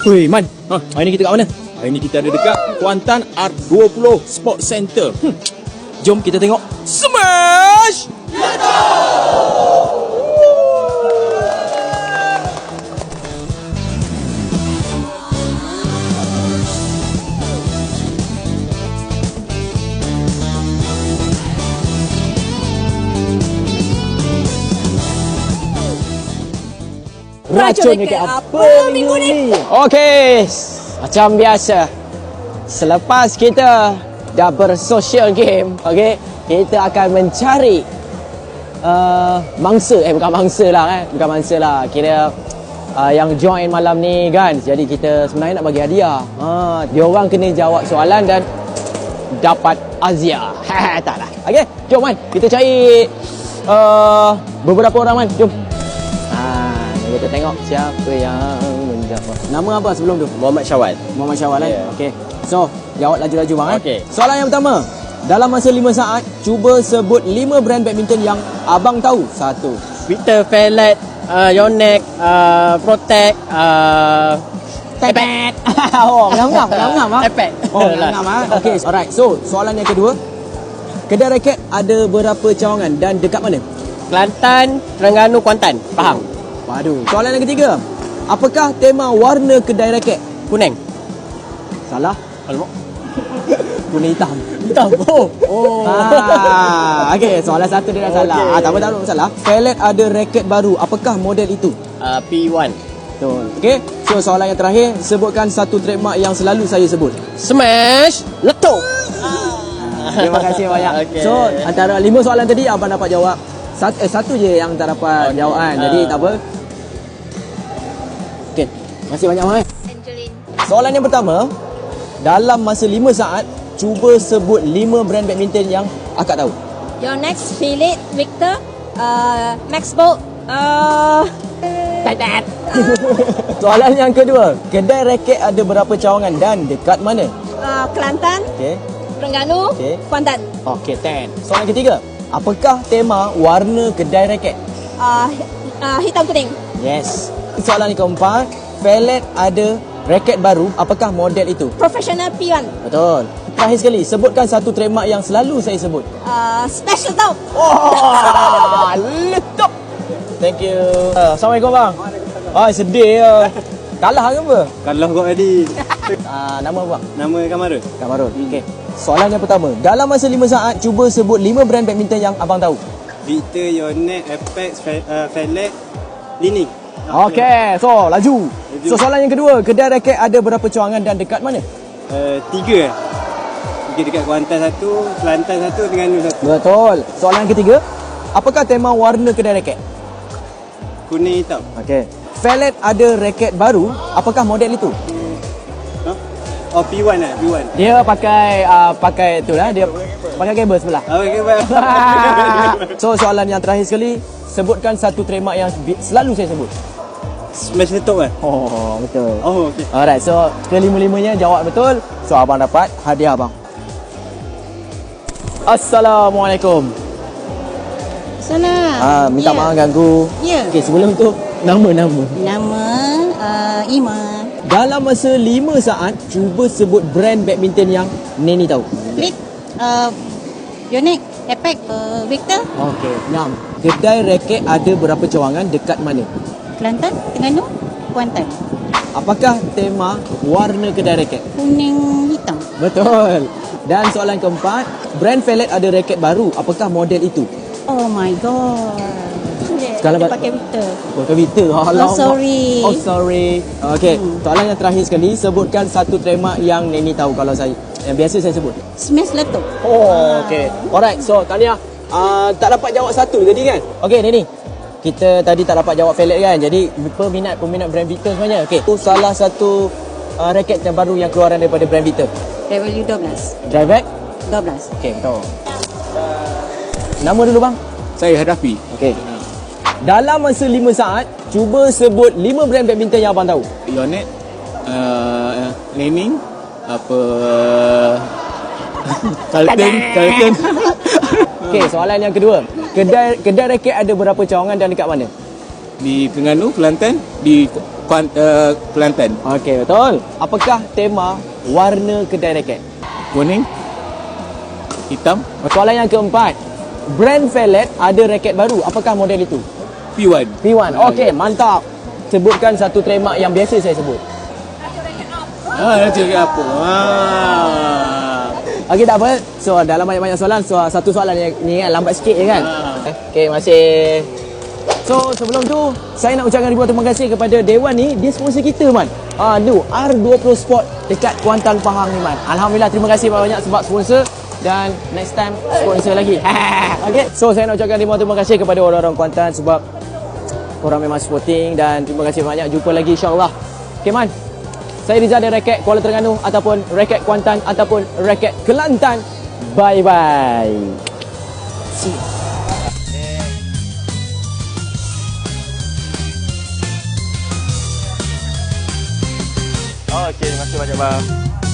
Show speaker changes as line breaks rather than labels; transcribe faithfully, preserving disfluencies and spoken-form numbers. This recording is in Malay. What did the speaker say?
Weh, Man. Ha, hari ni kita kat mana? Hari ni kita ada dekat Kuantan R dua puluh Sport Center. Hmm. Jom kita tengok Smash
Racun dekat apa minggu ni?
Okey, macam biasa, selepas kita dah bersocial game, okey, kita akan mencari uh, mangsa, eh bukan mangsa lah eh, bukan mangsa lah, kira uh, yang join malam ni kan. Jadi kita sebenarnya nak bagi hadiah. Ha, dia orang kena jawab soalan dan dapat azia. Tak lah. Okey, jom Man, kita cari uh, beberapa orang Man, jom. Kita tengok siapa yang menjawab. Nama apa sebelum tu?
Muhammad Syawal.
Muhammad Syawal eh?
Yeah.
Okey. So, jawab laju-laju bang eh.
Okey.
Soalan yang pertama. Dalam masa lima saat, cuba sebut lima brand badminton yang abang tahu. Satu.
Victor, Fellet, uh, Yonex, uh, Protect, uh,
Tepet. Oh, ngam-ngam, ngam-ngam ah.
Epet.
Oh, ngam-ngam ah. Okey, alright. So, soalan yang kedua. Kedai raket ada berapa cawangan dan dekat mana?
Kelantan, Terengganu, Kuantan. Faham?
Waduh. Soalan yang ketiga. Apakah tema warna kedai raket?
Kuning.
Salah.
Alamak.
Kuning hitam.
Hitam. Oh.
Oh. Ah, okey, soalan satu dia dah salah.
Okey.
Ah, tak apa tak apa masalah. Fellet ada raket baru. Apakah model itu?
Uh, P one.
Betul. Okey. So soalan yang terakhir, sebutkan satu trademark yang selalu saya sebut.
Smash. Letup.
Terima kasih banyak.
Okey.
So, antara lima soalan tadi abang dapat jawab satu, eh, satu je yang tak dapat
Okey.
jawapan. Jadi
Ah.
tak apa. Okey. Terima kasih banyak bang.
Angeline.
Soalan yang pertama, dalam masa lima saat, cuba sebut lima brand badminton yang akak tahu.
Yonex, Philip, Victor, uh, Maxbolt, uh, Tatat.
Soalan yang kedua, kedai raket ada berapa cawangan dan dekat mana?
Uh, Kelantan,
Okey.
Terengganu,
Okey.
Kuantan.
Okey, ten. Soalan ketiga, apakah tema warna kedai raket?
Uh, uh, hitam kuning.
Yes. Soalan yang keempat, Fellet ada raket baru, apakah model itu?
Professional P one.
Betul. Terakhir sekali, sebutkan satu trademark yang selalu saya sebut.
Uh, special top.
Oh, letup. Thank you. Uh, Assalamualaikum bang. Oh, sedih ya. Kalah ke apa?
Kalah kau tadi.
Uh, nama bang?
Nama Kamarul.
Kamarul. Okey. Soalan yang pertama, dalam masa lima saat, cuba sebut lima brand badminton yang abang tahu.
Victor, Yonex, Apex, Fe, uh, Fellet, Lining.
Okey, so laju.
Laju.
So soalan yang kedua, kedai raket ada berapa cawangan dan dekat mana?
Uh, tiga. Tiga dekat Kuantan satu, Kelantan satu, Terengganu satu.
Betul. Soalan yang ketiga, apakah tema warna kedai raket?
Kuning hitam.
Okey. Fellet ada raket baru, apakah model itu?
Huh? Oh, P one lah, P one.
Dia pakai uh, pakai tu lah, dia pakai kabel sebelah.
Oh, okay, baik.
So soalan yang terakhir sekali, sebutkan satu trademark yang bi- selalu saya sebut.
Smash letup kan?
Oh, betul.
Oh, okey.
Alright, so kelima-limanya jawab betul. So abang dapat hadiah abang. Assalamualaikum.
Sana.
Ah, minta
Ya.
maaf ganggu.
Ya.
Okey, sebelum tu nama-nama.
Nama uh, Ima.
Dalam masa lima saat, cuba sebut brand badminton yang Neni tahu.
Klik. Uh, Yonex. Apex. Uh, Victor.
Okey, enam. Kedai raket ada berapa cawangan, dekat mana?
Kelantan. Terengganu. Kuantan.
Apakah tema warna kedai raket?
Kuning hitam.
Betul. Dan soalan keempat, brand Fellet ada raket baru, apakah model itu?
Oh my god.
Sekarang
Dia
ba-
pakai Victor.
Oh, Victor.
Oh, sorry.
Oh, sorry. Okey,
Hmm.
soalan yang terakhir sekali, sebutkan satu trademark yang Neni tahu kalau saya. Yang biasa saya sebut.
Smash letup.
Oh, okey. Alright, so Tania, uh, tak dapat jawab satu tadi kan? Okey, Neni. Kita tadi tak dapat jawab Fellet kan? Jadi, peminat-peminat brand Victor sebenarnya. Okey, itu salah satu uh, raket yang baru yang keluaran daripada brand Victor.
W dua belas.
Drive back?
dua belas.
Okey, betul. Nama dulu bang?
Saya Hadafi.
Okey. Dalam masa lima saat, cuba sebut lima brand badminton yang abang tahu.
Yonex, uh, Lening, apa Carlton, Carlton.
Okey, soalan yang kedua. Kedai kedai raket ada berapa cawangan dan dekat mana?
Di Terengganu, Kelantan, di Kuant, uh, Kelantan.
Okey, betul. Apakah tema warna kedai raket?
Kuning, hitam,
Soalan yang keempat. Brand Felet ada raket baru. Apakah model itu?
P one.
P one. Okey, mantap. Sebutkan satu trademark yang biasa saya sebut.
Ah, nak cakap apa? Ah.
Okey, tak apa. So, dalam banyak-banyak soalan, so, satu soalan yang ni kan, lambat sikit je kan? Okey, masih. So, sebelum tu, saya nak ucapkan ribuan terima kasih kepada Dewan ni. Dia sponsor kita, Man. Ah, tu, R dua puluh Sport dekat Kuantan, Pahang ni, Man. Alhamdulillah, terima kasih banyak sebab sponsor. Dan next time, sponsor lagi. Okey. So, saya nak ucapkan ribuan terima kasih kepada orang-orang Kuantan sebab korang memang supporting. Dan terima kasih banyak. Jumpa lagi insyaAllah. Okey, Man. Saya Rizal dari Raket Kuala Terengganu ataupun Raket Kuantan ataupun Raket Kelantan. Bye-bye. See you.
Okey, terima kasih banyak bang.